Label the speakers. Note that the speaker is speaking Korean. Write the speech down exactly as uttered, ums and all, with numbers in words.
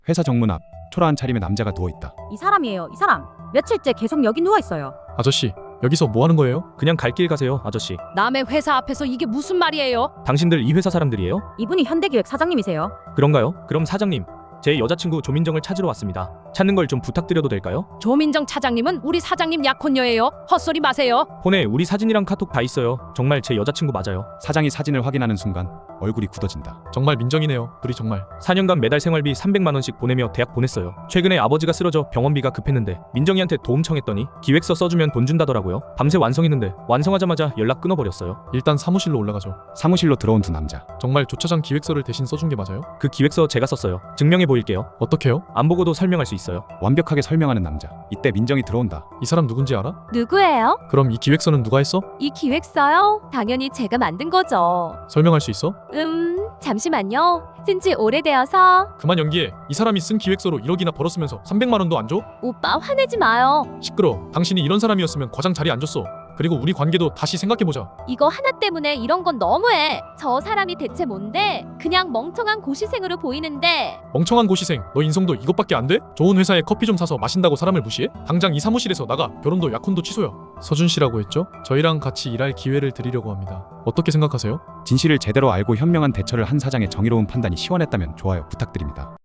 Speaker 1: 회사 정문 앞 초라한 차림의 남자가 누워있다.
Speaker 2: 이 사람이에요. 이 사람. 며칠째 계속 여기 누워있어요.
Speaker 3: 아저씨, 여기서 뭐 하는 거예요?
Speaker 4: 그냥 갈 길 가세요, 아저씨.
Speaker 5: 남의 회사 앞에서 이게 무슨 말이에요?
Speaker 4: 당신들 이 회사 사람들이에요?
Speaker 2: 이분이 현대기획 사장님이세요.
Speaker 4: 그런가요? 그럼 사장님, 제 여자친구 조민정을 찾으러 왔습니다. 찾는 걸 좀 부탁드려도 될까요?
Speaker 5: 조민정 차장님은 우리 사장님 약혼녀예요. 헛소리 마세요.
Speaker 4: 폰에 우리 사진이랑 카톡 다 있어요. 정말 제 여자친구 맞아요.
Speaker 1: 사장이 사진을 확인하는 순간 얼굴이 굳어진다.
Speaker 3: 정말 민정이네요. 둘이 정말.
Speaker 4: 사 년간 매달 생활비 삼백만 원씩 보내며 대학 보냈어요. 최근에 아버지가 쓰러져 병원비가 급했는데 민정이한테 도움 청했더니 기획서 써주면 돈 준다더라고요. 밤새 완성했는데 완성하자마자 연락 끊어버렸어요.
Speaker 3: 일단 사무실로 올라가죠.
Speaker 1: 사무실로 들어온 두 남자.
Speaker 3: 정말 조차장 기획서를 대신 써준 게 맞아요?
Speaker 4: 그 기획서 제가 썼어요. 증명해 보일게요.
Speaker 3: 어떻게요?
Speaker 4: 안 보고도 설명할 수 있어요.
Speaker 1: 완벽하게 설명하는 남자. 이때 민정이 들어온다.
Speaker 3: 이 사람 누군지 알아?
Speaker 6: 누구예요?
Speaker 3: 그럼 이 기획서는 누가 했어?
Speaker 6: 이 기획서요? 당연히 제가 만든 거죠.
Speaker 3: 설명할 수 있어?
Speaker 6: 음, 잠시만요. 쓴지 오래되어서.
Speaker 3: 그만 연기해. 이 사람이 쓴 기획서로 일억이나 벌었으면서 삼백만 원도 안 줘?
Speaker 6: 오빠 화내지 마요.
Speaker 3: 시끄러. 당신이 이런 사람이었으면 과장 자리 안 줬어. 그리고 우리 관계도 다시 생각해보자.
Speaker 6: 이거 하나 때문에 이런 건 너무해. 저 사람이 대체 뭔데? 그냥 멍청한 고시생으로 보이는데.
Speaker 3: 멍청한 고시생, 너 인성도 이것밖에 안 돼? 좋은 회사에 커피 좀 사서 마신다고 사람을 무시해? 당장 이 사무실에서 나가. 결혼도 약혼도 취소야. 서준 씨라고 했죠? 저희랑 같이 일할 기회를 드리려고 합니다. 어떻게 생각하세요?
Speaker 1: 진실을 제대로 알고 현명한 대처를 한 사장의 정의로운 판단이 시원했다면 좋아요 부탁드립니다.